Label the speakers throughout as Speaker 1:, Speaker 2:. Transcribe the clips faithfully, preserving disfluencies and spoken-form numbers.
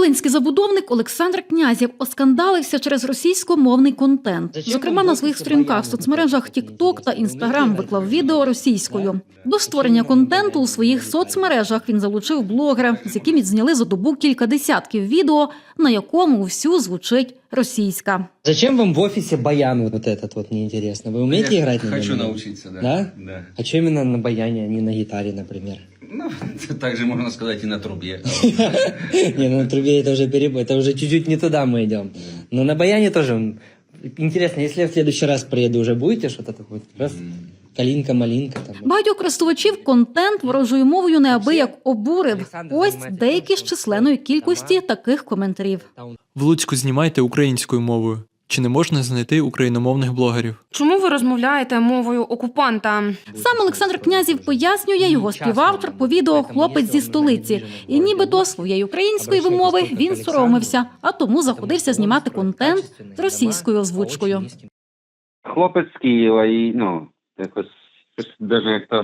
Speaker 1: Волинський забудовник Олександр Князєв оскандалився через російськомовний контент. Зокрема, на своїх сторінках в соцмережах TikTok та Instagram виклав відео російською. До створення контенту у своїх соцмережах він залучив блогера, з яким відзняли за добу кілька десятків відео, на якому всю звучить російська.
Speaker 2: Зачем вам в офисе баян вот этот вот, мне интересно? Вы умеете
Speaker 3: Я
Speaker 2: играть на нем?
Speaker 3: Хочу научиться, да.
Speaker 2: Да?
Speaker 3: Да.
Speaker 2: А что именно на баяне, а не на гитаре, например?
Speaker 3: Ну, также можно сказать и на трубе.
Speaker 2: Не, ну на трубе это уже перебой, это уже чуть-чуть не туда мы идем. Но на баяне тоже. Интересно, если я в следующий раз приеду, уже будете что-то такое? Раз, калинка-малинка там.
Speaker 1: Багатьох користувачів контент ворожою мовою неабияк обурив. Ось деякі з численної кількості таких коментарів.
Speaker 4: В Луцьку знімайте українською мовою. Чи не можна знайти україномовних блогерів?
Speaker 5: Чому ви розмовляєте мовою окупанта?
Speaker 1: Сам Олександр Князєв пояснює, його співавтор по відео «Хлопець зі столиці». І нібито своєї української вимови він соромився, а тому заходився знімати контент з російською озвучкою.
Speaker 6: Хлопець з Києва і, ну, якось, навіть як то,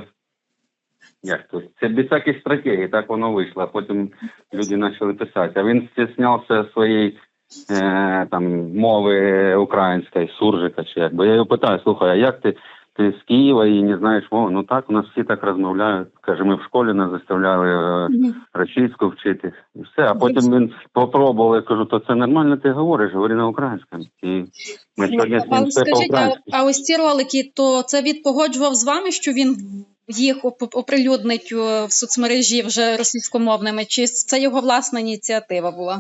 Speaker 6: як то, це без всяких стратегій, так воно вийшло, а потім люди почали писати. А він стіснявся своєї е, там, мови української, суржика чи як. Бо я його питаю, слухай, а як ти, ти з Києва і не знаєш мову? Ну так, у нас всі так розмовляють. Каже, ми в школі нас заставляли е, російську вчити. І все. А потім він попробував, я кажу, то це нормально ти говориш, говори на українському. І ми сьогодні з ним все
Speaker 7: Скажіть, а,
Speaker 6: по-українськи.
Speaker 7: а ось ці ролики, то це він погоджував з вами, що він їх оп- оприлюднить е, в соцмережі вже російськомовними, чи це його власна ініціатива була?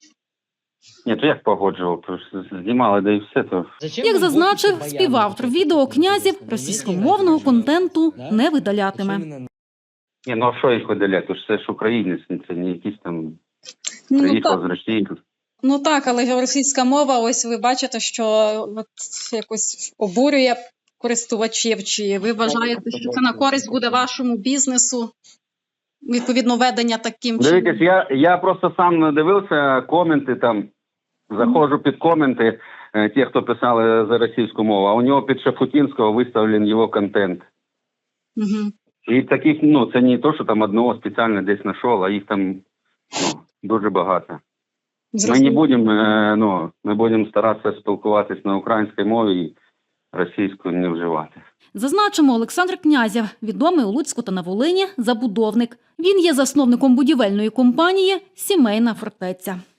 Speaker 6: Ні, то як погоджував, то ж знімали, да і все, то...
Speaker 1: Як зазначив співавтор відео, Князєв російськомовного контенту не видалятиме.
Speaker 6: Ні, ну а що їх видаляти? Це ж українець, це не якийсь там
Speaker 7: Ну
Speaker 6: приїхав
Speaker 7: так,
Speaker 6: з Росії.
Speaker 7: ну так, але російська мова, ось ви бачите, що от якось обурює користувачів, чи ви вважаєте, що це на користь буде вашому бізнесу? Відповідно, ведення таким чином.
Speaker 6: Дивіться, я, я просто сам дивився коменти там, заходжу під коменти, е, ті, хто писали за російську мову, а у нього під Шафутінського виставлений його контент.
Speaker 7: Угу.
Speaker 6: І таких, ну, це не то, що там одного спеціально десь знайшов, а їх там, ну, дуже багато. Ми не будемо, е, ну, ми будемо старатися спілкуватись на українській мові і російську не вживати.
Speaker 1: Зазначимо, Олександр Князєв, відомий у Луцьку та на Волині забудовник. Він є засновником будівельної компанії «Сімейна фортеця».